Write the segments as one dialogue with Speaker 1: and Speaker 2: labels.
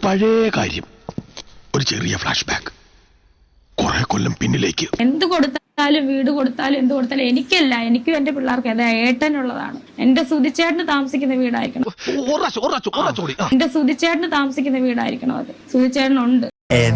Speaker 1: പഴയ കാര്യം, ഒരു ചെറിയ ഫ്ലാഷ് ബാക്ക്, കുറെ കൊല്ലം പിന്നിലേക്ക്.
Speaker 2: എന്ത് കൊടുത്താലും, വീട് കൊടുത്താലും, എന്ത് കൊടുത്താലും എനിക്കല്ല, എനിക്കും എന്റെ പിള്ളേർക്ക് അതെ ഏട്ടനുള്ളതാണ്. എന്റെ സുധിച്ചേട്ടന് താമസിക്കുന്ന വീടായിരിക്കണം, എന്റെ സുധിച്ചേട്ടന് താമസിക്കുന്ന വീടായിരിക്കണം അത്. സുധിച്ചേട്ടനുണ്ട്.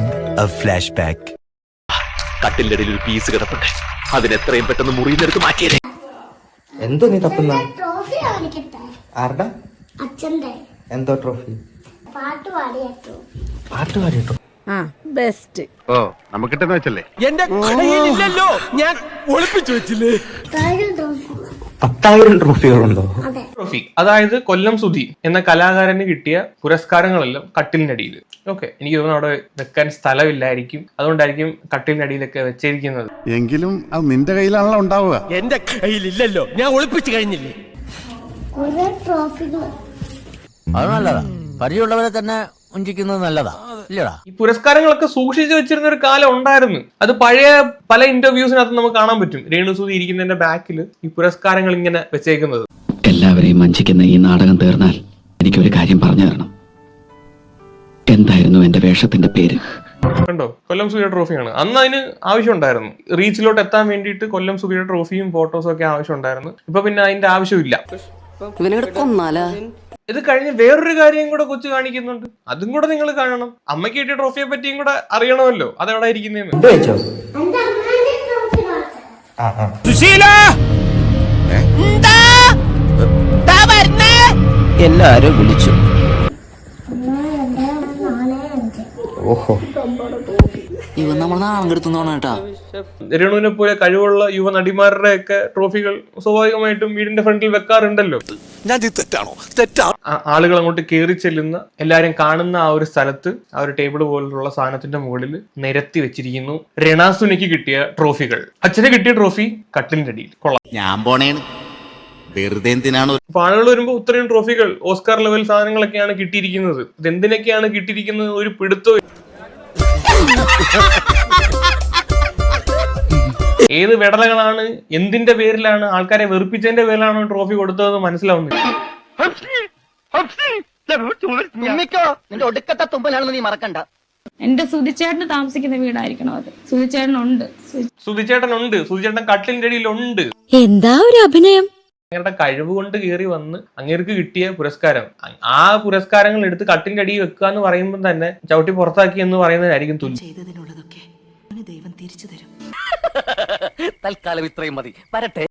Speaker 1: കട്ടിലിന്റെ ഇടയിൽ ഒരു പീസ് കിടപ്പുണ്ട്, അതിനെത്രയും പെട്ടെന്ന് മുറിയിലെടുത്ത് മാറ്റിയേ.
Speaker 3: എന്തോ നീ തപ്പുന്ന?
Speaker 4: ട്രോഫി കാണിക്കട്ടെ.
Speaker 3: ആരുടെ?
Speaker 4: അച്ഛന്റെ.
Speaker 3: എന്തോ ട്രോഫി?
Speaker 4: പാട്ട് പാടിയോ?
Speaker 3: പാട്ട് പാടിയോ?
Speaker 2: ബെസ്റ്റ്.
Speaker 1: ഓ നമുക്കിട്ടെന്ന് വെച്ചല്ലേ?
Speaker 5: എന്റെ കയ്യിലില്ലല്ലോ, ഞാൻ ഒളിപ്പിച്ചു വെച്ചില്ലേ.
Speaker 3: 10,000 ട്രോഫികളുണ്ടോ?
Speaker 4: അതെ.
Speaker 6: ട്രോഫി, അതായത് കൊല്ലം സുധി എന്ന കലാകാരന് കിട്ടിയ പുരസ്കാരങ്ങളെല്ലാം കട്ടിലിനടിയിൽ. ഓക്കെ, എനിക്ക് തോന്നുന്നു അവിടെ വെക്കാൻ സ്ഥലമില്ലായിരിക്കും, അതുകൊണ്ടായിരിക്കും കട്ടിലിനടിയിലൊക്കെ വെച്ചിരിക്കുന്നത്.
Speaker 1: എങ്കിലും അത് നിന്റെ കയ്യിലാണല്ലോ ഉണ്ടാവുക.
Speaker 5: എന്റെ കയ്യിലില്ലല്ലോ, ഞാൻ ഒളിപ്പിച്ചു കഴിഞ്ഞില്ലേ.
Speaker 4: കുറെ ട്രോഫികൾ.
Speaker 7: അത് നല്ലതാ, പരിചയമുള്ളവരെ തന്നെ ഉഞ്ചിക്കുന്നത് നല്ലതാ, ഇല്ലടാ.
Speaker 6: ഈ പുരസ്കാരങ്ങളൊക്കെ സൂക്ഷിച്ചു വെച്ചിരുന്ന ഒരു കാലം ഉണ്ടായിരുന്നു. അത് പഴയ പല ഇന്റർവ്യൂസിനകത്ത് നമുക്ക് കാണാൻ പറ്റും. രേണുസുധി ഇരിക്കുന്നതിന്റെ ബാക്കിൽ ഈ പുരസ്കാരങ്ങൾ ഇങ്ങനെ വെച്ചേക്കുന്നത്.
Speaker 8: എല്ലാവരെയും വഞ്ചിക്കുന്ന ഈ നാടകം തീർന്നാൽ എനിക്കൊരു കാര്യം പറഞ്ഞു തരണം. എന്തായിരുന്നു എന്റെ വേഷത്തിന്റെ പേര്?
Speaker 6: കണ്ടോ, കൊല്ലം സുധിയുടെ ട്രോഫിയാണ്. അന്ന് അതിന് ആവശ്യം ഉണ്ടായിരുന്നു. റീച്ചിലോട്ട് എത്താൻ വേണ്ടിയിട്ട് കൊല്ലം സുധിയുടെ ട്രോഫിയും ഫോട്ടോസും ഒക്കെ ആവശ്യം ഉണ്ടായിരുന്നു. ഇപ്പൊ പിന്നെ അതിന്റെ ആവശ്യമില്ല. ഇത് കഴിഞ്ഞ് വേറൊരു കാര്യം കൂടെ കൊച്ചു കാണിക്കുന്നുണ്ട്, അതും കൂടെ നിങ്ങൾ കാണണം. അമ്മയ്ക്ക് കിട്ടിയ ട്രോഫിയെ പറ്റിയും കൂടെ അറിയണമല്ലോ, അതെവിടെ ഇരിക്കുന്നതെന്ന്.
Speaker 3: വെച്ചോ?
Speaker 4: എന്റെ അമ്മേന്റെ ട്രോഫി കാണിച്ചു.
Speaker 5: സുശീല,
Speaker 7: എല്ലാരും വിളിച്ചു.
Speaker 3: ഓഹോ,
Speaker 7: ഇവൻ നമ്മൾ നാണം കെടുത്തുന്നോണ കേട്ടാ.
Speaker 6: രേണുവിനെ പോലെ കഴിവുള്ള യുവ നടിമാരുടെ ഒക്കെ ട്രോഫികൾ സ്വാഭാവികമായിട്ടും വീടിന്റെ ഫ്രണ്ടിൽ വെക്കാറുണ്ടല്ലോ. ആളുകൾ അങ്ങോട്ട് കയറി ചെല്ലുന്ന, എല്ലാരും കാണുന്ന ആ ഒരു സ്ഥലത്ത് ആ ഒരു ടേബിൾ പോലുള്ള സാധനത്തിന്റെ മുകളിൽ നിരത്തി വെച്ചിരിക്കുന്നു രണാസുനയ്ക്ക് കിട്ടിയ ട്രോഫികൾ. അച്ഛന് കിട്ടിയ ട്രോഫി കട്ടിലിന്റെ അടിയിൽ. കൊള്ളാം.
Speaker 9: ഞാൻ പോണേണ്, വെറുതെ എന്തിനാണ്.
Speaker 6: അപ്പൊ ആളുകൾ വരുമ്പോ ഇത്രയും ട്രോഫികൾ, ഓസ്കാർ ലെവൽ സാധനങ്ങളൊക്കെയാണ് കിട്ടിയിരിക്കുന്നത്. ഇതെന്തിനൊക്കെയാണ് കിട്ടിയിരിക്കുന്നത് ഒരു പിടുത്തവും. ഏത് വെടലകളാണ്, എന്തിന്റെ പേരിലാണ്, ആൾക്കാരെ വെറുപ്പിച്ചതിന്റെ പേരിലാണോ ട്രോഫി കൊടുത്തതെന്ന് മനസ്സിലാവുന്നില്ല.
Speaker 7: നിന്റെ ഒടുക്കത്തെ തുമ്പലാണെന്ന് നീ മറക്കണ്ട.
Speaker 2: എന്റെ സുധിച്ചേട്ടന് താമസിക്കുന്ന വീടായിരിക്കണം അത്. സുധിച്ചേട്ടനുണ്ട്.
Speaker 6: സുധിച്ചേട്ടൻ കട്ടിലിന്റെ അടിയിലുണ്ട്.
Speaker 2: എന്താ ഒരു അഭിനയം!
Speaker 6: അങ്ങയുടെ കഴിവ് കൊണ്ട് കയറി വന്ന് അങ്ങേർക്ക് കിട്ടിയ പുരസ്കാരം, ആ പുരസ്കാരങ്ങൾ എടുത്ത് കട്ടിലിന്റെ അടിയിൽ വെക്കുക എന്ന് പറയുമ്പോൾ തന്നെ ചവിട്ടി പുറത്താക്കി എന്ന് പറയുന്നതിനായിരിക്കും തുല്യം.
Speaker 7: ചെയ്തതിനുള്ളതൊക്കെ ദൈവം തിരിച്ചു തരും. തൽക്കാലം ഇത്രയും മതി, വരട്ടെ.